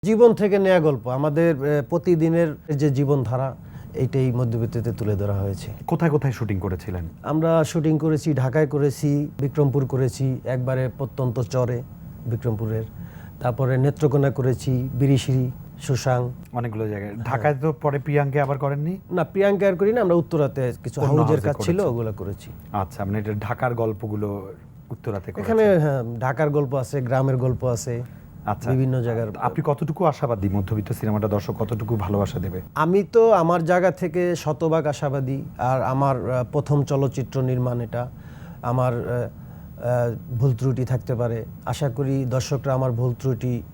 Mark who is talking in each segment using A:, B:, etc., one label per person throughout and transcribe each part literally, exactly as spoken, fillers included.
A: জীবন থেকে নেয়া গল্প আমাদের আহ, প্রতিদিনের যে জীবনধারা এইটাই মধ্যবিত্তিতে তুলে ধরা হয়েছে।
B: কোথায় কোথায় শুটিং করেছিলেন?
A: আমরা শুটিং করেছি, ঢাকায় করেছি, বিক্রমপুর করেছি, একবারে প্রত্যন্ত চরে বিক্রমপুরের, তারপরে নেত্রকোনা করেছি, বিরিশিরি, সুসাং,
B: অনেকগুলো জায়গায়। ঢাকায় তো পরে প্রিয়াঙ্কে আবার করেননি?
A: না প্রিয়াঙ্কা আর করি না, আমরা উত্তরাতে কিছু
B: অন্য
A: হাউজের
B: হাউজে
A: কাজ ছিল
B: করেছেন।
A: ওগুলো করেছি।
B: আচ্ছা, মানে এটা ঢাকার গল্পগুলো উত্তরাতে করেছেন।
A: এখানে হ্যাঁ, ঢাকার গল্প আছে, গ্রামের গল্প আছে,
B: আচ্ছা,
A: বিভিন্ন জায়গার।
B: আপনি কতটুকু আশাবাদী মধ্যবিত্ত সিনেমাটা দর্শক কতটুকু ভালোবাসা দেবে?
A: আমি তো আমার জায়গা থেকে শতভাগ আশাবাদী। আর আমার আহ, প্রথম চলচ্চিত্র নির্মাণ, এটা আমার আহ, আহ, ভুল ত্রুটি থাকতে পারে। আশা করি দর্শকরা আমার ভুল ত্রুটি আহ,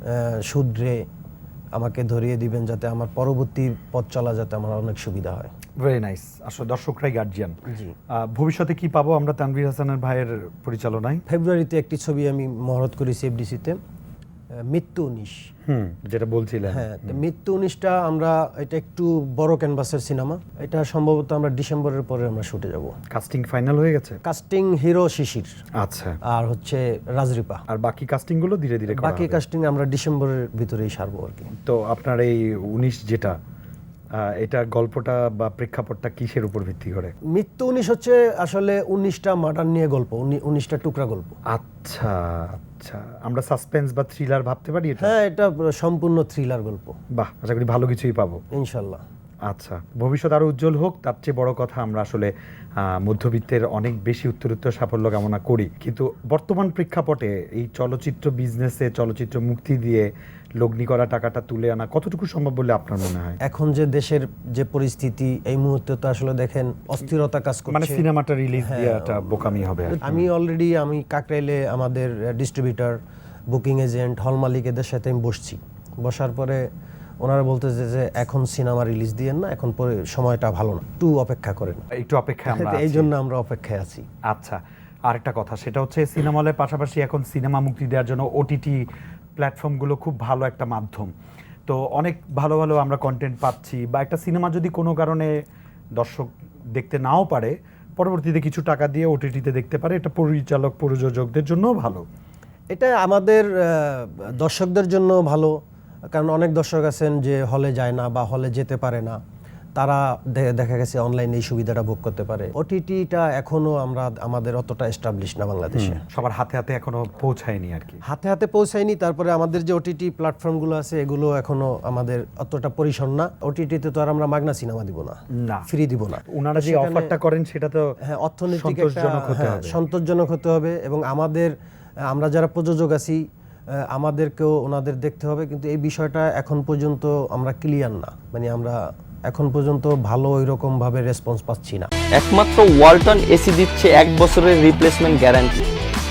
A: শুধরে আমাকে ধরিয়ে দিবেন, যাতে আমার পরবর্তী পথ চলা যাতে আমার অনেক সুবিধা হয়।
B: Very nice. আসলে দর্শকরাই গার্জিয়ান।
A: জি।
B: ভবিষ্যতে কি পাবো আমরা তানভীর হাসানের ভাইয়ের পরিচালনায়?
A: ফেব্রুয়ারিতে একটি ছবি আমি মহরত করেছি এফডিসিতে, মৃত্যু উনিশ।
B: হুম, যেটা বলছিলেন।
A: হ্যাঁ, তো মৃত্যু উনিশটা আমরা, এটা একটু বড় ক্যানভাসের সিনেমা। এটা সম্ভবত আমরা ডিসেম্বরের পরে আমরা শুটে যাব।
B: কাস্টিং ফাইনাল হয়ে গেছে?
A: কাস্টিং হিরো শিশির
B: আচ্ছা,
A: আর হচ্ছে রাজরিপা।
B: আর বাকি কাস্টিং গুলো ধীরে ধীরে করা
A: বাকি
B: হবে।
A: কাস্টিং আমরা ডিসেম্বরের ভিতরেই সারবো আর কি।
B: তো আপনার এই উনিশ যেটা, আহ, এটা গল্পটা বা প্রেক্ষাপটটা কিসের উপর ভিত্তি করে?
A: মৃত্যু উনিশ হচ্ছে আসলে উনিশটা মার্ডার নিয়ে গল্প, উনিশটা টুকরা গল্প।
B: আচ্ছা আচ্ছা, আমরা সাসপেন্স বা থ্রিলার ভাবতে পারি এটা?
A: হ্যাঁ, এটা সম্পূর্ণ থ্রিলার গল্প।
B: বাহ, আশা করি ভালো কিছুই পাবো
A: ইনশাল্লাহ।
B: আচ্ছা, ভবিষ্যৎ আরো উজ্জ্বল হোক। তার চেয়ে বড় কথা, আমরা আসলে আহ, মধ্যবিত্তের অনেক বেশি উত্তরোত্তর সাফল্য কামনা করি। কিন্তু বর্তমান প্রেক্ষাপটে এই চলচ্চিত্র বিজনেসে চলচ্চিত্র মুক্তি দিয়ে লগ্নি করা টাকাটা তুলে আনা কতটুকু সম্ভব বলে আপনার মনে হয়?
A: এখন যে দেশের যে পরিস্থিতি, এই মুহূর্তে তো আসলে দেখেন অস্থিরতা কাজ
B: মানে
A: করছে।
B: সিনেমাটা রিলিজ
A: হ্যাঁ,
B: দেওয়াটা বোকামি হবে আর কি।
A: আমি অলরেডি আমি কাকরাইলে আমাদের ডিস্ট্রিবিউটর, বুকিং এজেন্ট, হল মালিক এদের সাথে আমি বসছি। বসার পরে ওনারা বলতেছে যে এখন সিনেমা রিলিজ দিয়েন না, এখন পরে সময়টা ভালো না, একটু অপেক্ষা করেন।
B: একটু অপেক্ষায় আমরা
A: এই
B: আছি।
A: জন্য আমরা অপেক্ষায় আছি।
B: আচ্ছা, আরেকটা কথা, সেটা হচ্ছে সিনেমা হলের পাশাপাশি এখন সিনেমা মুক্তি দেওয়ার জন্য ওটিটি প্ল্যাটফর্মগুলো খুব ভালো একটা মাধ্যম। তো অনেক ভালো ভালো আমরা কন্টেন্ট পাচ্ছি, বা একটা সিনেমা যদি কোনো কারণে দর্শক দেখতে নাও পারে, পরবর্তীতে কিছু টাকা দিয়ে ওটিটিতে দেখতে পারে। এটা পরিচালক প্রযোজকদের জন্যও ভালো।
A: এটা আমাদের আহ, দর্শকদের জন্য ভালো, কারণ অনেক দর্শক আছেন যে হলে যায় না বা হলে যেতে পারে না, তারা দে- দেখা গেছে অনলাইনে এই সুবিধাটা ভোগ করতে পারে। ওটিটিটা এখনো আমরা আমাদের অতটা এস্টাবলিশ না বাংলাদেশে,
B: সবার হাতে হাতে এখনো পৌঁছায়নি আর কি।
A: হাতে হাতে পৌঁছায়নি। তারপরে আমাদের যে ওটিটি প্ল্যাটফর্মগুলো আছে এগুলো এখনো আমাদের অতটা পরিসর না। ওটিটিতে তো আর আমরা মাগনা সিনেমা দিব না,
B: না,
A: ফ্রি দিব না।
B: ওনারা যে
A: সেখানে-
B: অফারটা করেন সেটা তো
A: হ্যাঁ, অর্থনৈতিক একটা
B: সন্তোষজনক হতে
A: হ্যাঁ,
B: হবে।
A: সন্তোষজনক হতে হবে, এবং আমাদের আমরা যারা প্রযোজক আছি আহ, আমাদেরকেও ওনাদের দেখতে হবে। কিন্তু এই বিষয়টা এখন পর্যন্ত আমরা ক্লিয়ার না, মানে আমরা এখন পর্যন্ত ভালো ওই রকম ভাবে রেসপন্স পাচ্ছি না।
C: একমাত্র ওয়ালটন এসি দিচ্ছে এক বছরের রিপ্লেসমেন্ট গ্যারান্টি।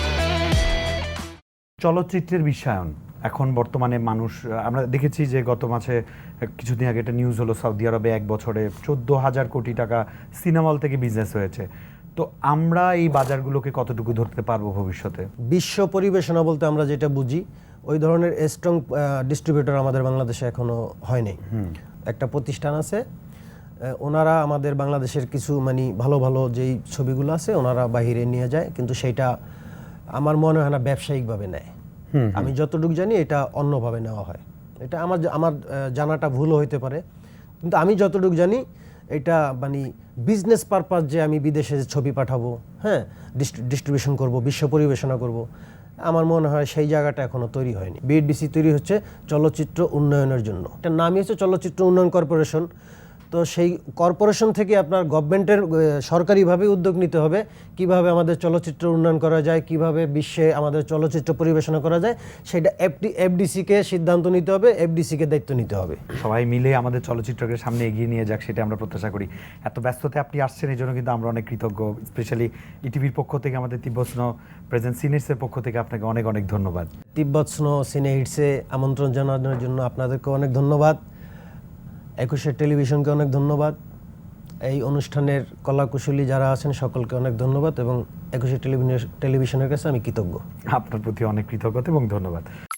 B: চলচ্চিত্রের বিশ্বায়ন এখন বর্তমানে মানুষ, আমরা দেখেছি যে গত মাসে কিছুদিন আগে একটা নিউজ হলো, সৌদি আরবে এক বছরে চোদ্দ হাজার কোটি টাকা সিনেমা হল থেকে বিজনেস হয়েছে। তো আমরা এই বাজারগুলোকে কতটুকু ধরতে পারবো ভবিষ্যতে?
A: বিশ্ব পরিবেশনা বলতে আমরা যেটা বুঝি, ওই ধরনের স্ট্রং ডিস্ট্রিবিউটর আমাদের বাংলাদেশে এখনো হয়নি। একটা প্রতিষ্ঠান আছে, আহ, ওনারা আমাদের বাংলাদেশের কিছু মানে ভালো ভালো যেই ছবিগুলো আছে ওনারা বাহিরে নিয়ে যায়, কিন্তু সেইটা আমার মনে হয় না ব্যবসায়িকভাবে নেয়। আমি যতটুকু জানি এটা অন্যভাবে নেওয়া হয়। এটা আমার আমার আহ, জানাটা ভুলও হইতে পারে, কিন্তু আমি যতটুকু জানি এটা মানে বিজনেস পারপাস, যে আমি বিদেশে ছবি পাঠাবো, হ্যাঁ, ডিস্ট্রিবিউশন করব, বিশ্ব পরিবেশনা করব, আমার মনে হয় সেই জায়গাটা এখনো তৈরি হয়নি। বিএডিসি তৈরি হচ্ছে চলচ্চিত্র উন্নয়নের জন্য, এটার নামই হচ্ছে চলচ্চিত্র উন্নয়ন কর্পোরেশন। তো সেই কর্পোরেশন থেকে আপনার গভর্নমেন্টের সরকারিভাবে উদ্যোগ নিতে হবে, কিভাবে আমাদের চলচ্চিত্র উন্নয়ন করা যায়, কিভাবে বিশ্বে আমাদের চলচ্চিত্র পরিবেশনা করা যায়, সেটা এফডি এফডিসিকে সিদ্ধান্ত নিতে হবে, এফডিসিকে দায়িত্ব নিতে হবে।
B: সবাই মিলে আমাদের চলচ্চিত্রকে সামনে এগিয়ে নিয়ে যাক, সেটা আমরা প্রত্যাশা করি। এত ব্যস্ততায় আপনি আসছেন, এই জন্য কিন্তু আমরা অনেক কৃতজ্ঞ। স্পেশালি ইটিভির পক্ষ থেকে, আমাদের তিব্বত স্নো প্রেজেন্ট সিনেটসের পক্ষ থেকে আপনাকে অনেক অনেক ধন্যবাদ।
A: তিব্বত স্নো সিনে হিটসে আমন্ত্রণ জানানোর জন্য আপনাদেরকে অনেক ধন্যবাদ। একুশের টেলিভিশনকে অনেক ধন্যবাদ। এই অনুষ্ঠানের কলাকুশলী যারা আছেন সকলকে অনেক ধন্যবাদ, এবং একুশের টেলিভিশন টেলিভিশনের কাছে আমি কৃতজ্ঞ।
B: আপনার প্রতি অনেক কৃতজ্ঞতা এবং ধন্যবাদ।